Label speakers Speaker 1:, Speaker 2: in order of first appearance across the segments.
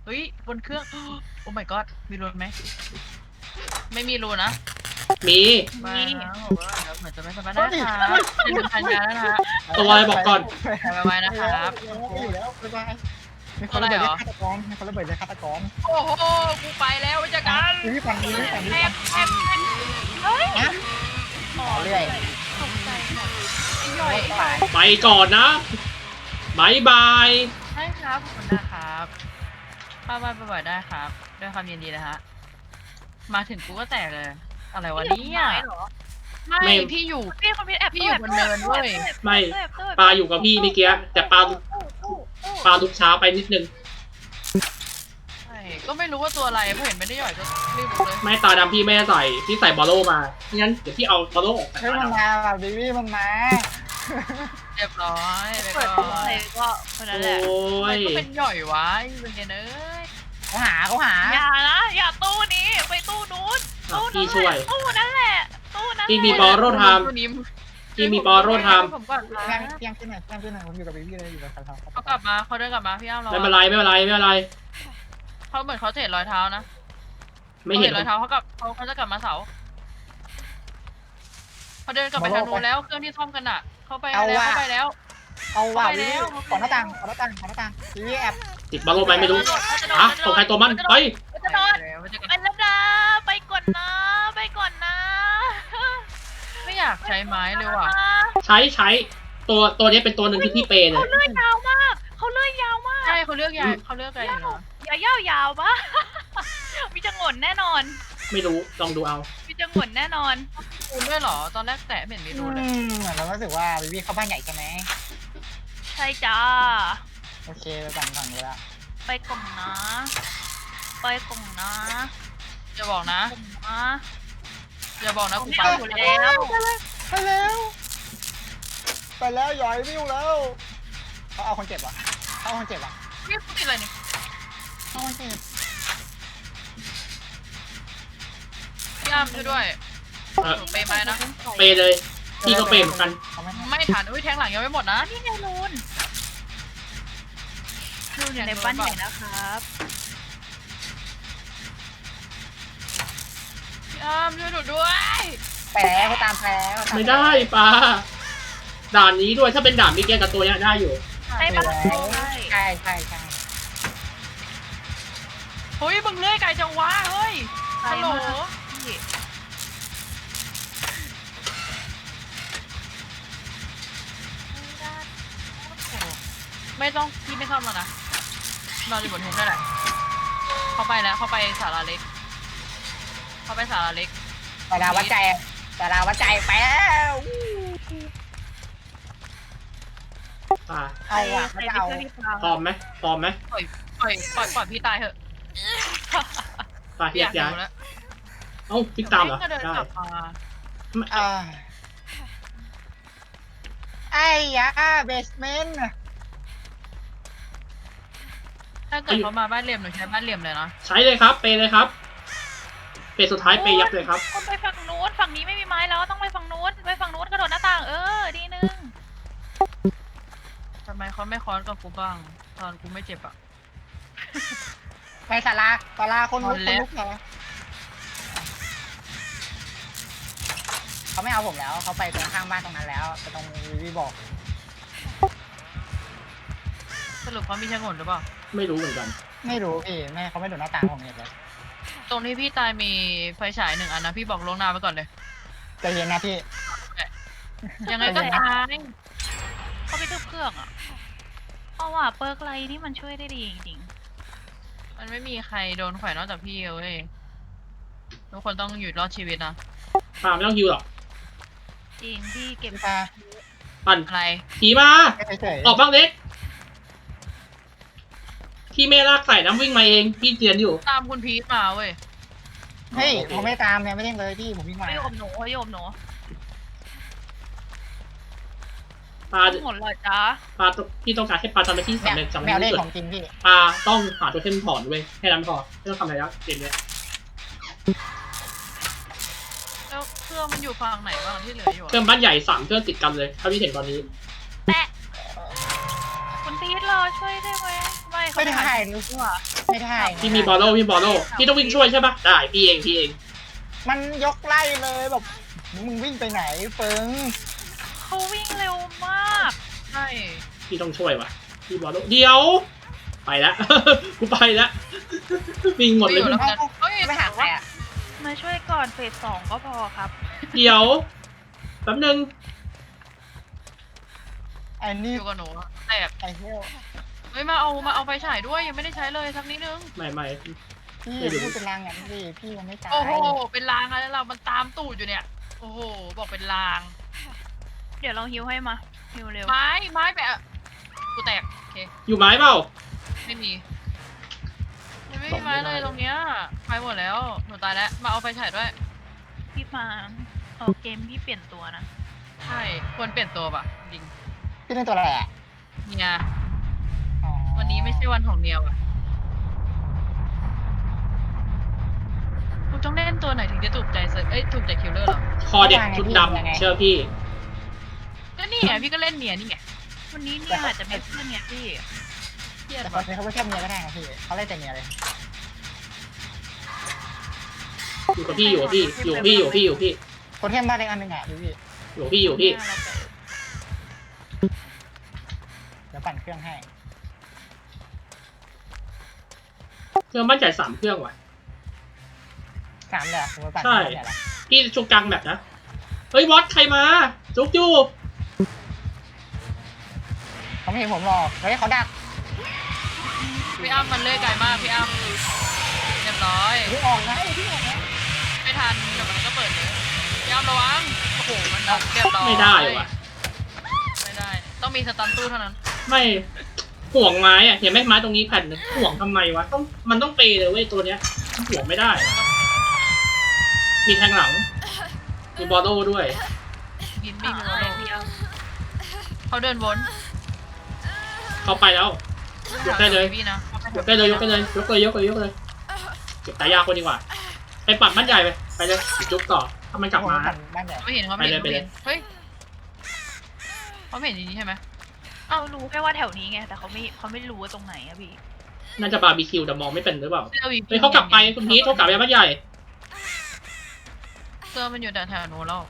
Speaker 1: เฮ้ยบนเครื่องโอ้ my god มีรูนไหมไม่มีรูนนะ
Speaker 2: มี
Speaker 1: มาบอกว่าเดี๋ยวเหมือนจะไม่สบายนะครับจะถึงพันยาแล้วนะฮะ
Speaker 2: ตัวอะไรบอกก่อน
Speaker 1: ไว้นะครับ
Speaker 3: อยู่แล้วบ๊ายบายมีคนระเบิดเลยฆาตกรมีคนระเบิดเลยฆาตกร
Speaker 1: โอ้โหกูไปแล้ววิจาร
Speaker 3: พี่ฟังดีพี่ฟังดี
Speaker 4: แอบเฮ้ย
Speaker 3: นะต่อเรื่อย
Speaker 4: ตกใจหมด
Speaker 1: ย่อย
Speaker 2: ไปก่อนนะบายบาย
Speaker 1: ใช่ครับขอบคุณนะครับป้าบ่อยๆได้ครับด้วยความยินดีนะฮะมาถึงกูก็แตกเลยอะไรวะเนี่ยไม่พี่อยู่
Speaker 4: พี่คนพี่แอบ
Speaker 1: พี่อยู่บนเนินเว้ย
Speaker 2: ไม่ปลาอยู่กับพี่เมื่อกี้แต่ปลาลุกช้าไปนิดนึง
Speaker 1: ใช่ก็ไม่รู้ว่าตัวอะไรเพราะเห็นไม่ได้ย่อยก็รีบเลย
Speaker 2: ไม่ตาดำพี่ไม่ได้ใส่พี่ใส่บอลโลมางั้นเดี๋ยวพี่เอาบอลโลออกจาก
Speaker 3: เฮ้ย
Speaker 2: ตา
Speaker 3: มัน
Speaker 2: ดำ
Speaker 3: มาว่ะบีบี้มันมา
Speaker 1: เรียบร้อยไป
Speaker 4: เปิด
Speaker 1: ก่
Speaker 4: ตัว
Speaker 1: อน
Speaker 4: เลยก็คนนั้นแหละ
Speaker 2: โอ้
Speaker 1: มัน
Speaker 2: ย
Speaker 1: ก็เป็นย่อยวะเป็นเนย
Speaker 3: เขาหาเขาหา
Speaker 4: อย่านะอย่าตู้นี้ไปตู้นู้นตู้
Speaker 2: พี่
Speaker 4: นั้น
Speaker 2: ช่วย
Speaker 4: ตู้นั่นแหละตู้นั้น
Speaker 2: พี่มีบอลโลไทม์ พี่มีบอลโลไทม์
Speaker 1: ผมก่อน
Speaker 3: เตียงขึ้นหน่อยเตียงขึ้นหน่อยผมอยู่กับบีบี้เลยอยู่กับเขา
Speaker 1: เขากลับมาเขาเดินกลับมาพี่อ้ำเรา
Speaker 2: ไม่เป็นไรไม่เป็นไรไม่เป็นไร
Speaker 1: เขาเหมือนเขาเห็นรอยเท้านะ
Speaker 2: ไม่เห็น
Speaker 1: รอยเท้าเขาจะกลับมาเสาเขาเดินกลับไปทางนู้นแล้วเครื่องที่ซ่อมกันอ่ะเขาไปแล้วเขาไปแล้ว
Speaker 3: เอาว่ะบีบี้ก่อนหน้าต่างก่อนหน้าต่างก่อนหน้าต่างบีบี้แอบ
Speaker 2: ติดบอลโลไหมไม่รู้อ่ะตัวใครตัวมันไป
Speaker 4: จะโดนไปแล้วนะไปก่อนนะไปก่อนนะ
Speaker 1: ไม่อยากใช้ไม้เลยว่ะ
Speaker 2: ใช้ตัวนี้เป็นตัวหนึ่งที่พี่เปย์เลย
Speaker 4: เขาเลื่อยยาวมากเขาเลื่อยยาวมาก
Speaker 1: ใช่เขาเลือกยาเขาเลือกอะไรอยู่นะ
Speaker 4: อย่ายาวปะ มีจังหวนแน่นอน
Speaker 2: ไม่รู้ลองดูเอา
Speaker 4: มีจังหวนแน่นอน
Speaker 1: รูนด้วยเหรอตอนแรกแตะไม่เห็นมีรูนเลย
Speaker 3: เหมือนเรารู้สึกว่าบีบี้เข้าบ้านใหญ่ใช่ไหม
Speaker 4: ใช่จ้า
Speaker 3: โอเคไปฝั่งนี้ละ
Speaker 4: ไปกล่องนะไปกล่องนะ
Speaker 1: อย่าบอกนะ
Speaker 4: กล่องนะ
Speaker 1: อย่าบอกนะกูไป
Speaker 4: อยู่แล้ว
Speaker 3: ไปแล้วไปแล้วหย่อยวิวแล้วเขาเอาคนเจ็บอ่ะเขาเอาคนเจ็บอ่ะ
Speaker 1: นี่กูติดอะไรเนี่ย
Speaker 3: เอาคนเจ็บ
Speaker 1: พี่อ้ำช่วยด้วย
Speaker 2: เออ
Speaker 1: หนูเปย์ไปนะ
Speaker 2: เปย์เลยพี่ก็เปย์เหมือนกัน
Speaker 3: เขาไม่
Speaker 1: ไม่ทันอุ้ยแทงหลังยังไม่หมดนะ
Speaker 4: นี่ไงลูน
Speaker 1: รูน
Speaker 4: อยู่ในบ้านใหญ่นะครับ
Speaker 1: พี่อ้ำช่วยหนูด้วย
Speaker 3: ไปแล้วเขาตามไปแล้ว
Speaker 2: ไม่ได้ปลาด่านนี้ด้วยถ้าเป็นด่านมิเกลกับตัวเนี้ยได้อยู่
Speaker 4: ใช่ปะใช่
Speaker 3: ใช่ใช่
Speaker 1: เฮ้ยมึงเลื่อยไกลจังวะเฮ้ยฮัลโหล
Speaker 4: พี่
Speaker 1: ไม่ต้องพี่ไม่ซ่อมแล้วนะนอนอยู่บนทุนได้แหละเขาไปแล้วเขาไปศาลาเล็กเขาไปศาลาเล็ก
Speaker 3: แต่เราวัดใจแต่เราวัดใจไปแล้ว
Speaker 2: ปลา
Speaker 3: เอาอ่ะไม่เอา
Speaker 2: พร้อมไหมพร้อมไหม
Speaker 1: ปล่อยพี่ตายเถอะ
Speaker 2: ปลา
Speaker 1: พี่
Speaker 2: แย
Speaker 1: อยาก ก
Speaker 2: ย้าย
Speaker 1: ดูแล้ว
Speaker 2: เอ้าพลิกตามเหรอ
Speaker 1: ก็เดิน
Speaker 2: ได้
Speaker 1: กลับมา
Speaker 3: ไอ้ยาเบสเมนต์
Speaker 1: ถ้าเกิดเขามาบ้านเหลี่ยมหนูใช้บ้านเหลี่ยมเลยนะ
Speaker 2: ใช้เลยครับ เปย์เลยครับ เปย์สุดท้ายเปย์ยับเลยครับ
Speaker 4: คนไปฝั่งนู้นฝั่งนี้ไม่มีไม้แล้วต้องไปฝั่งนู้นไปฝั่งนู้นกระโดดหน้าต่างดีนึง
Speaker 1: ทำไมเขาไม่ค้อนกับกูบ้าง ตอนกูไม่เจ็บอ่ะ
Speaker 3: ไปศาลาคนลุกเหรอเขาไม่เอาผมแล้วเขาไปตรงข้างบ้านตรงนั้นแล้วไปตรงวีบอก
Speaker 1: สรุปเขามีชะงนหรือเปล่า
Speaker 2: ไม่รู้เหมือนกัน
Speaker 3: ไม่รู้พี่แม่เขาไม่ดูหน้าต่างผมเลย
Speaker 1: ตรงที่พี่ตายมีไฟฉาย1 อันนะพี่บอกลวงหน้าไว้ก่อนเลย
Speaker 3: ใจเย็นนะพี่
Speaker 1: ยังไงก็ตาย
Speaker 4: เขาไปทึบเครื่องอ่ะเพราะว่าเปิร์กไลท์นี่มันช่วยได้ดีจริง
Speaker 1: มันไม่มีใครโดนแขวนนอกจากพี่เว้ยทุกคนต้องอยู่รอดชีวิตนะ
Speaker 2: ปลาไม่ต้องยิวหรอก
Speaker 4: ๆจริงพี่เก็บ
Speaker 3: พี่ตา
Speaker 2: ปั่น
Speaker 1: อะไร
Speaker 2: ผีมา
Speaker 3: เฉย
Speaker 2: ออกบ้างเล็ก พี่เมลากใส่น้ำวิ่งมาเอง พี่เจียนอยู่
Speaker 1: ตามคุณพีทมาเว้ย
Speaker 3: เฮ้ยผมไม่ตามเนี่ยไม่เล่นเลยพี่ผมวิ่งมา
Speaker 4: ไม่โยมหนูไม่โยมหนู
Speaker 2: ปลา
Speaker 4: หมดเลยจ้า
Speaker 2: ปลาพี่ต้องการให้ปลาทำอะไรที่สำเร็จสำ
Speaker 3: แม
Speaker 2: เร็จ
Speaker 3: วเล่น
Speaker 2: ที่สุ
Speaker 3: ข
Speaker 2: ด
Speaker 3: องจริงพี่
Speaker 2: ปลาต้องหาตัวเทมถอนเว้ยแค่นั้นพอไม่ต้องทำอะไรแล้วเกมเนี้ย
Speaker 1: แล้วเครื่องมันอยู่ฝั่งไหนบ้างที่เหลืออยู่
Speaker 2: เครื่องบ้านใหญ่3 เครื่องติดกันเลยเท่าที่เห็นตอนนี้
Speaker 4: แปะคุณพีทรอช่วยได้ไหมไม่เขา
Speaker 3: ไม่ได้
Speaker 4: หา
Speaker 3: รู้
Speaker 4: ดีกว่า
Speaker 3: ไม่ได้
Speaker 2: พี่มีบอลโล่พี่ต้องวิ่งช่วยใช่ปะได้พี่เอง
Speaker 3: มันยกไล่เลยแบบมึงวิ่งไปไหนเฟิง
Speaker 4: เขาวิ่งเร็วมาก
Speaker 1: ใช่
Speaker 2: พี่ต้องช่วยวะพี่บอลโล่เดี๋ยวไปแล้ว กูไปแล้ววิ่งหมดเลย
Speaker 1: ไม่อยู่แล้วกันเฮ้ย
Speaker 3: ไม่หาใครอ่ะ
Speaker 4: มาช่วยก่อนเฟส 2ก็พอครับ
Speaker 2: เดี๋ยวแป๊บนึง
Speaker 3: ไอ้นี่
Speaker 1: อยู่กับหนูแตก
Speaker 3: ไอ้เหี้ย
Speaker 1: เฮ้ยมาเอาไฟฉายด้วยยังไม่ได้ใช้เลยสักนิดนึง
Speaker 2: ไม่
Speaker 3: พี่พูดเป็นรางอย่างนี้พี่ยังไม่ตาย
Speaker 1: โอ้โหเป็นลางอะไรเรามันตามตูดอยู่เนี่ยโอ้โหบอกเป็นลาง
Speaker 4: เดี๋ยวเราฮิวให้มาฮิวเร็ว
Speaker 1: ไม้แบบกูแตกโอเค
Speaker 2: อยู่ไม้เปล่า
Speaker 1: ไม่มีไม่มีไม้เลยตรงเนี้ยไปหมดแล้วหนูตายแล้วมาเอาไฟฉายด้วย
Speaker 4: พี่มาเกมพี่เปลี่ยนตัวนะ
Speaker 1: ใช่ควรเปลี่ยนตัวป่ะจริง
Speaker 3: พี่เล่นตัวอะไรอ่ะ
Speaker 1: เนี่ย
Speaker 3: อ๋อ
Speaker 1: วันนี้ไม่ใช่วันของเนียวอ่ะกูต้องเล่นตัวไหนถึงจะถูกใจเซอร์ถูกใจคิลเลอร์หรอ
Speaker 2: คอเด็กชุดดำเชื่อพี่
Speaker 1: ก็นี่ไงพี่ก็เล่นเนียนี่ไง
Speaker 4: วันนี้เนี่ยอาจจะไม่เพื่อนเนี่ยพี่
Speaker 1: เครียด
Speaker 3: แต่ค
Speaker 1: ป่ะ
Speaker 3: นนี้เขาไม่แค่เมียก็ได้นะพี่เขาเล่นแต่เมียเลย
Speaker 2: อยู่กับพี่
Speaker 3: คนที่บ้านเล็กอันหนึ่งอ่ะพี่
Speaker 2: อยู่พี่
Speaker 3: เดี๋ยวปั่นเครื่องให้
Speaker 2: เครื่องบ้านใหญ่3 เครื่องว่ะ
Speaker 3: 3เลยผมปั่น
Speaker 2: ใช่
Speaker 3: เนี่ยแหละ
Speaker 2: พี่ชุกกลางแบบนะเฮ้ยวอตใครมาจุกจู
Speaker 3: เขาไม่เห็นผมหรอกเฮ้ยเขาดัก
Speaker 1: พี่อ้ำมันเลื่อยไกลมากพี่อ้ำเรียบร้อย
Speaker 3: พี่ออกนะพี่ออกนะ
Speaker 1: ไม่ทันเดี๋ยวมันก็เปิดเลยพี่อ้ำระวังโอ้โหมันดับเรียบร้อย
Speaker 2: ไม่ได้ว่ะ
Speaker 1: ไม่ได้ ต้องมีสตันตู้เท่านั้น
Speaker 2: ไม่ห่วงไม้อะเห็นไหมไม้ตรงนี้แผ่นหนึงห่วงทำไมวะมันต้องเปย์เลยเว้ยตัวเนี้ยห่วงไม่ได้ มีแทงหลัง มีบอลโล่ด้วย
Speaker 1: ยินไม่มี
Speaker 4: อะ
Speaker 1: โล
Speaker 4: ไร
Speaker 1: โล
Speaker 4: พี่เอา
Speaker 1: เขาเดินวน
Speaker 2: เขาไปแล้ว ยกได้เลย
Speaker 1: พี่นะ
Speaker 2: ยกได้เลยเก็บตายากคนดีกว่าไปปัดบ้านใหญ่ไปเลยจุกต่อถ้ามันกลับมา
Speaker 3: ปั่นบ้านใหญ่
Speaker 1: ไม่เห็นเขาไม่เห็น
Speaker 2: ไปเลย
Speaker 1: เฮ้ยเขาไม่เห็นอย่างนี้ใช่ไหม
Speaker 4: เอารู้แค่ว่าแถวนี้ไงแต่เขาไม่รู้ว่าตรงไหนอะพี่
Speaker 2: น่าจะบาร์บีคิวแต่มองไม่เป็นหรือเปล่า
Speaker 1: เสื้อวี
Speaker 2: เฮ้ยเขากลับไปคุณพีทเขากลับไปบ้านใหญ่
Speaker 1: เสื้อมันอยู่แถวๆนู้นแล้ว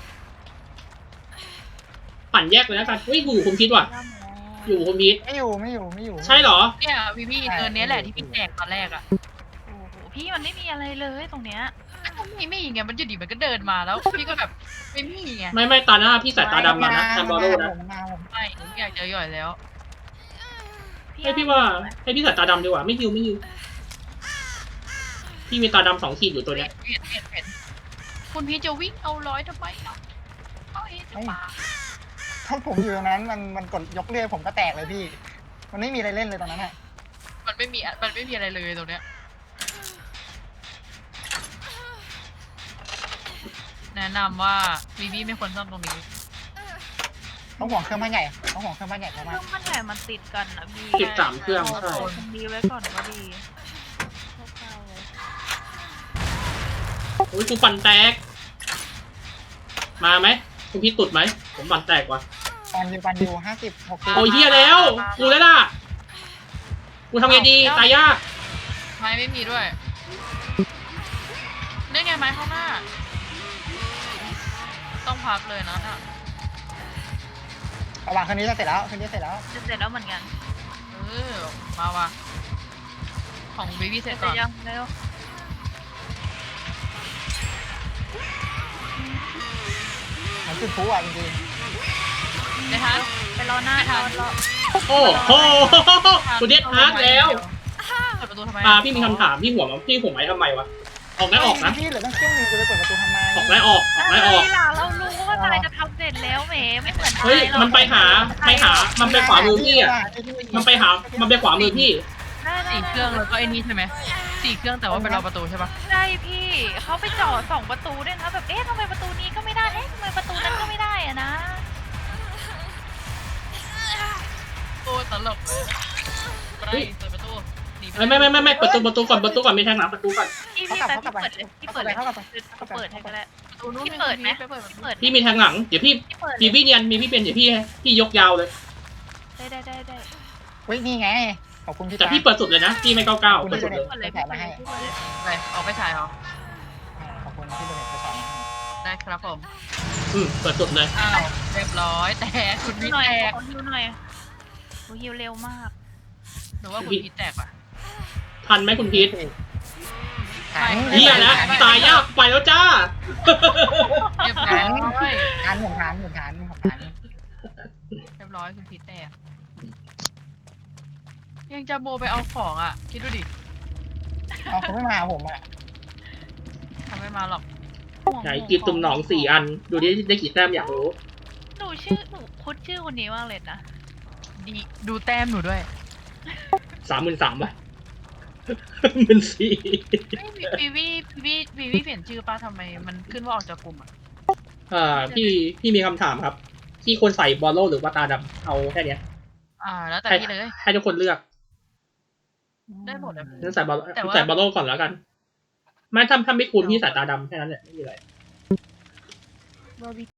Speaker 2: ปั่นแยกเลยแล้วกันเฮ้ยอยู่คุณพีทว่ะ อยู่คุณพีท
Speaker 3: ไม่อยู่
Speaker 2: ใช่เหรอ
Speaker 1: เนี่ยพี่เดินเนี้ยแหละที่พี่แจกตอนแรกอ่ะ
Speaker 4: โอ้โหพี่มันไม่มีอะไรเลยตรงเนี้ย
Speaker 1: ไม่ไงมันอยู่ดีมันก็เดินมาแล้วพี่ก็แบบไม่มีไง
Speaker 2: ไม่ตาหน้าพี่สายตาดำมานะแทนบอลโล่นะ
Speaker 1: ไม่อยากเจอหย่อยแล้ว
Speaker 2: ให้พี่ว่าให้พี่สายตาดำดีกว่าไม่ฮิวพี่มีตาดำ2 ขีดอยู่ตัวเนี้ย
Speaker 1: เห็นคุณพี่จะวิ่งเอาร้อยทำไมอ่ะเอาเองจะมา
Speaker 3: ถ้าผมอยู่ตรงนั้นมันกดยกเลื่อยผมก็แตกเลยพี่ มันไม่มีอะไรเล่นเลยตรงนั้นอ่ะ
Speaker 1: มันไม่มีอะไรเลยตรงเนี้ยแนะนำว่าวีวีไม่ควรซ่อมตรงนี้
Speaker 3: ต้องห่วงเครื่องบ้านใหญ่มาก
Speaker 4: เครื่องมันใหญ่มันติดกันนะพี่
Speaker 2: ติด3 เครื่องใช่
Speaker 4: มันดีไว้ก่อนก็ดีคร่าวๆไว้
Speaker 2: โอ้ยกูปั่นแตกมาไหมคุณพี่ตุดไหมผมปั่นแตกว่ะ
Speaker 3: ปันอยู่50-60
Speaker 2: โอ้ยเฮียแล้วกูแล้วล่ะกูทำไงดีตายยาก
Speaker 1: ไม้ไม่มีด้วยนี่ไงไม้ข้างหน้า ต้องพักเลยนะน่ะ
Speaker 3: ระหว่างคืนนี้จะเสร็จแล้ว
Speaker 4: จะเสร็จแล้วเหมือนกัน
Speaker 1: มาว่ะของวีวีเสร็จ
Speaker 4: จะ
Speaker 1: ก่อน
Speaker 4: ยังเร็ว
Speaker 3: เหมือนจุดพลุอ่ะจริง
Speaker 1: นะคะ
Speaker 4: ไปรอหน้า
Speaker 1: ไม่ทัน
Speaker 4: รอ
Speaker 2: โอ้โหกูเด็ดฮาร์ดแล้ว
Speaker 1: เปิดประตูทำไม
Speaker 2: พี่มีคำถามพี่หัวไหมทำไมวะออกได้ออกนะ
Speaker 3: พี่เหลือตั้งเครื่องนึงจะไปเปิดประตูทำไม
Speaker 2: ออกได้ออก
Speaker 4: อะไรล่ะเรารู้ว่านายจะทำเสร็จแล้วแหมไม่เหมือน
Speaker 2: เฮ้ย
Speaker 4: นายหรอก
Speaker 2: มันไปหามันไปขวามือพี่อ่ะมันไปขวามือพี่
Speaker 1: สี่เครื่องแล้วก็ไอ้นี่ใช่ไหมสี่เครื่องแต่ว่าเป็นรอประตูใช่ปะ
Speaker 4: ใช่พี่เขาไปเจาะ2 ประตูด้วยนะแบบทำไมประตูนี้ก็ไม่ได้ทำไมประตูนั้นก็ไม่ได้อะนะ
Speaker 1: โอ้ตลกไปเปิดประตูหนีป
Speaker 2: ไม่ประตูก่อนไม่แทงหลังประตูก่อน
Speaker 4: พี่เปิดเลยพี่เปิดให้ก็ได้
Speaker 1: ประตูนู้น
Speaker 4: พี่เปิดไหม
Speaker 1: ไปเปิดประตู
Speaker 4: พี่เปิด
Speaker 2: พี่มีแทงหลังเดี๋ยวพี่
Speaker 4: เปิด
Speaker 2: พี่เนียนมีพี่เป็นเดี๋ยวพี่ยกยาวเลย
Speaker 4: ได้
Speaker 3: เฮ้ยนี่ไงขอบคุณพี่
Speaker 2: แต่
Speaker 3: ตา
Speaker 2: พี่เปิดสุดเลยนะพี่ไม่เก้า
Speaker 3: ขอบคุณ
Speaker 2: เปิดสุดเลย
Speaker 4: เปิดเลยพี่เปิดเลยพี่เปิดเลย
Speaker 1: อะไรออกไปฉายเหรอ
Speaker 3: ขอบคุณที่เป็นไปสอน
Speaker 1: ได้ครับผม
Speaker 2: เปิดสุดเลย
Speaker 1: อ้าวเรียบร้อยแตกคุณ
Speaker 4: ฮิ
Speaker 1: พี
Speaker 4: ว
Speaker 1: ท
Speaker 4: หน่อย
Speaker 1: แตก
Speaker 4: ขอฮิวหน่อยโอ้ฮิวเร็วมาก
Speaker 1: หรือว่าคุณพีทแตกอ่ะ
Speaker 2: ทันไหมคุณพีท
Speaker 3: ทัน
Speaker 2: เฮียแล้วตายยากไปแล้วจ้า
Speaker 1: เรียบร้อย
Speaker 3: ทันผมทัน
Speaker 1: เรียบร้อยคุณพีทแตกยังจะโบไปเอาของอ่ะ คิดดูดิ
Speaker 3: เอาเขาไม่มาผมอ่ะ
Speaker 1: ทำไม่มาหรอก
Speaker 2: ไหนกิบตุ่มหนอง4 อัน ดูดิได้กี่แต้มอยากรู้
Speaker 4: หนูคุ้นชื่อคนนี้มากเลยนะ
Speaker 1: ดีดูแต้มหนูด้วย
Speaker 2: 33,000 ป่ะ14,000
Speaker 1: ไม่วีวีเปลี่ยนชื่อป้าทำไมมันขึ้นว่าออกจากกลุ่มอ่ะ
Speaker 2: พี่มีคำถามครับ พี่ควรใส่บอลโลหรือว่าตาดำเอาแค่เนี้ย
Speaker 1: แล้วแต่
Speaker 2: ให้
Speaker 1: พี่เลย
Speaker 2: ให้ทุกคนเลือก
Speaker 1: ได้หมดเลย
Speaker 2: งั้นใส่บอล
Speaker 1: แต่ว่า
Speaker 2: ใส่บอลโลก่อนแล้วกัน ไม่ถ้าไม่คูณพี่ใส่ตาดำแค่นั้นแหละไม่มีอะไร